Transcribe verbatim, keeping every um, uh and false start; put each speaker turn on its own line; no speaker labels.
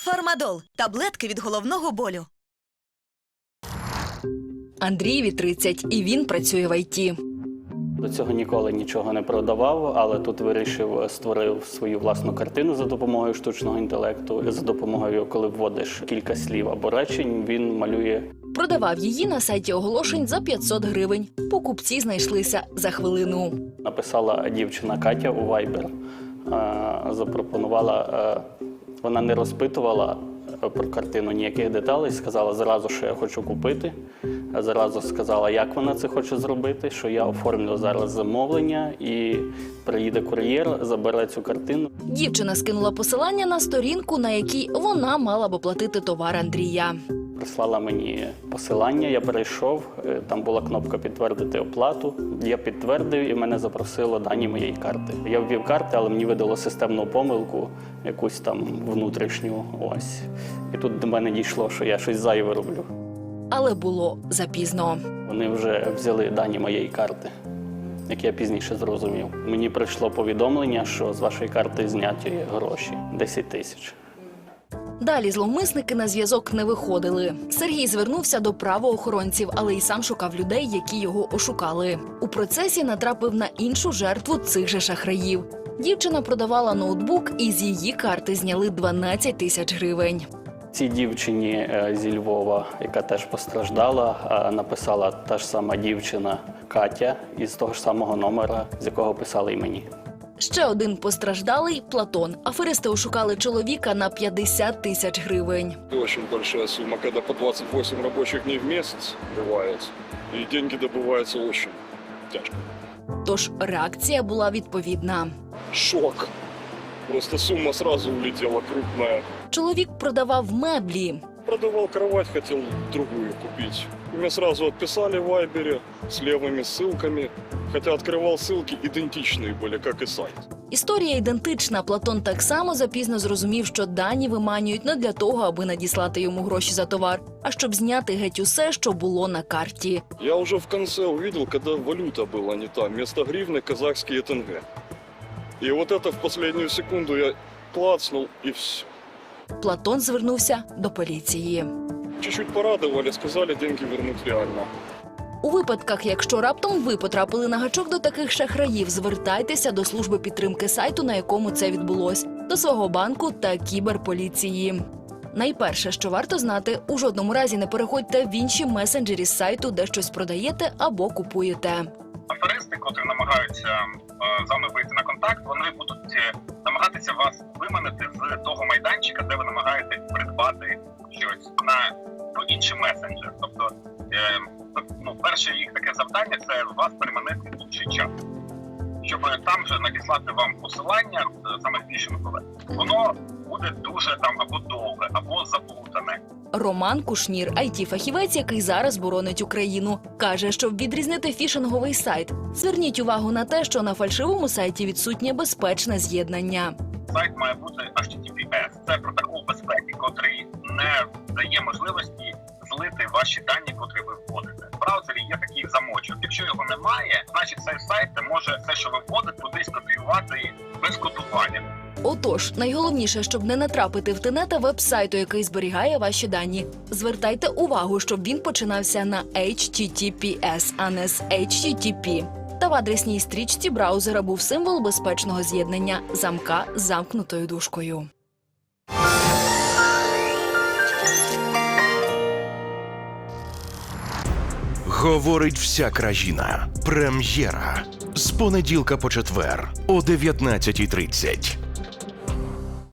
Фармадол – таблетки від головного болю.
Андрієві тридцять, і він працює в ай ті.
До цього ніколи нічого не продавав, але тут вирішив, створив свою власну картину за допомогою штучного інтелекту. За допомогою, коли вводиш кілька слів або речень, він малює.
Продавав її на сайті оголошень за п'ятсот гривень. Покупці знайшлися за хвилину.
Написала дівчина Катя у Viber, запропонувала, вона не розпитувала про картину ніяких деталей, сказала зразу, що я хочу купити. Зразу сказала, як вона це хоче зробити, що я оформлю зараз замовлення і приїде кур'єр, забере цю картину.
Дівчина скинула посилання на сторінку, на якій вона мала б оплатити товар Андрія.
Прислала мені посилання, я перейшов, там була кнопка «Підтвердити оплату». Я підтвердив і мене запросило дані моєї карти. Я ввів карти, але мені видало системну помилку, якусь там внутрішню. Ось. І тут до мене дійшло, що я щось зайве роблю.
Але було запізно.
Вони вже взяли дані моєї карти, як я пізніше зрозумів. Мені прийшло повідомлення, що з вашої карти зняті гроші – десять тисяч.
Далі зловмисники на зв'язок не виходили. Сергій звернувся до правоохоронців, але й сам шукав людей, які його ошукали. У процесі натрапив на іншу жертву цих же шахраїв. Дівчина продавала ноутбук, і з її карти зняли дванадцять тисяч гривень.
Цій дівчині зі Львова, яка теж постраждала, написала та ж сама дівчина Катя із того ж самого номера, з якого писали і мені.
Ще один постраждалий – Платон. Аферисти ошукали чоловіка на п'ятдесят тисяч гривень.
Очень большая сумма, когда по двадцать восемь рабочих дней в месяц бывает, и деньги добываются очень тяжко.
Тож реакція була відповідна.
Шок. Просто сумма сразу улетела крупная.
Чоловік продавав меблі.
Продавал кровать, хотел другую купить. Мне сразу отписали в Вайбере с левыми ссылками, хотя открывал ссылки идентичные были, как и сайт.
Історія ідентична. Платон так само запізно зрозумів, що дані виманюють не для того, аби надіслати йому гроші за товар, а щоб зняти геть усе, що було на карті.
Я уже в конце увидел, когда валюта была не та, вместо гривны казахские тенге. И вот это в последнюю секунду я клацнул, и все.
Платон звернувся до поліції.
Чуть-чуть порадовали, сказали, деньги вернуть реально.
У випадках, якщо раптом ви потрапили на гачок до таких шахраїв, звертайтеся до служби підтримки сайту, на якому це відбулось, до свого банку та кіберполіції. Найперше, що варто знати, у жодному разі не переходьте в інші месенджері з сайту, де щось продаєте або купуєте.
Аферисти, котрі намагаються е, з вами вийти на контакт, вони будуть е, намагатися вас виманити з того майданчика, де ви намагаєтесь придбати щось на ну, інший месенджер. Тобто, е, ну, перше їх таке завдання – це вас переманити в інший чат. Щоб там же надіслати вам посилання, саме фішингове, воно буде дуже там або довге, або заплутане.
Роман Кушнір, ай ті-фахівець, який зараз боронить Україну, каже, щоб відрізнити фішинговий сайт, зверніть увагу на те, що на фальшивому сайті відсутнє безпечне з'єднання.
Сайт має бути ейч ті ті пі ес. Це протокол безпеки, котрий не дає можливості злити ваші дані, котрі ви вводите. В браузері є такий замочок. Якщо його немає, значить цей сайт може все, що ви вводите, кудись копіювати без кодування.
Отож, найголовніше, щоб не натрапити в тенета веб-сайту, який зберігає ваші дані. Звертайте увагу, щоб він починався на ейч ті ті пі ес, а не з ейч ті ті пі. Та в адресній стрічці браузера був символ безпечного з'єднання – замка з замкнутою дужкою.
Говорить вся країна. Прем'єра. З понеділка по четвер о дев'ятнадцятій тридцять.